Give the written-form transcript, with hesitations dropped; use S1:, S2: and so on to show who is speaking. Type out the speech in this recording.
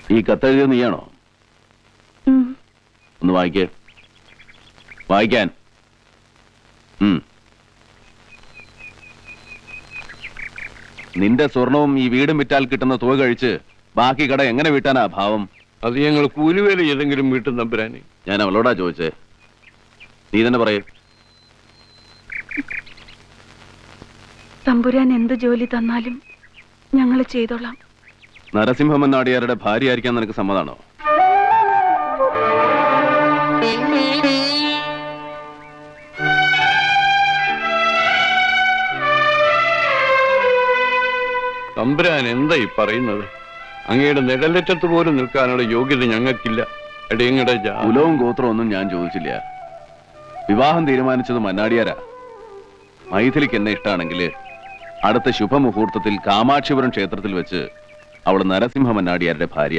S1: ഈ കത്തെഴുതിയത് നീയാണോ? ഒന്ന് വായിക്കേ. വായിക്കാൻ. നിന്റെ സ്വർണവും ഈ വീടും വിറ്റാൽ കിട്ടുന്ന തുക കഴിച്ച് ബാക്കി കട എങ്ങനെ വീട്ടാനാ ഭാവം?
S2: അത് ഞങ്ങൾ കൂലിവേല ഏതെങ്കിലും വീട്ടും തമ്പുരാനെ.
S1: ഞാൻ അവളോടാ ചോദിച്ചേ, നീ തന്നെ പറയേ.
S3: തമ്പുരാൻ എന്ത് ജോലി തന്നാലും ഞങ്ങൾ ചെയ്തോളാം.
S1: നരസിംഹമൻ നാടിയാരുടെ ഭാര്യ ആയിരിക്കാൻ നിനക്ക് സമ്മതാണോ?
S2: തമ്പുരാൻ എന്താ ഈ പറയുന്നത്? അങ്ങയുടെ നിഴലറ്റത്ത് പോലും നിൽക്കാനുള്ള യോഗ്യത ഞങ്ങൾക്കില്ല. എടയങ്ങടെ
S1: കുലവും ഗോത്രവും ഒന്നും ഞാൻ ചോദിച്ചില്ല. വിവാഹം തീരുമാനിച്ചത് മന്നാടിയാരാ. മൈഥിലിക്ക് എന്നെ ഇഷ്ടമാണെങ്കിൽ അടുത്ത ശുഭമുഹൂർത്തത്തിൽ കാമാക്ഷിപുരം ക്ഷേത്രത്തിൽ വെച്ച് അവൾ നരസിംഹ മന്നാടിയാരുടെ ഭാര്യ.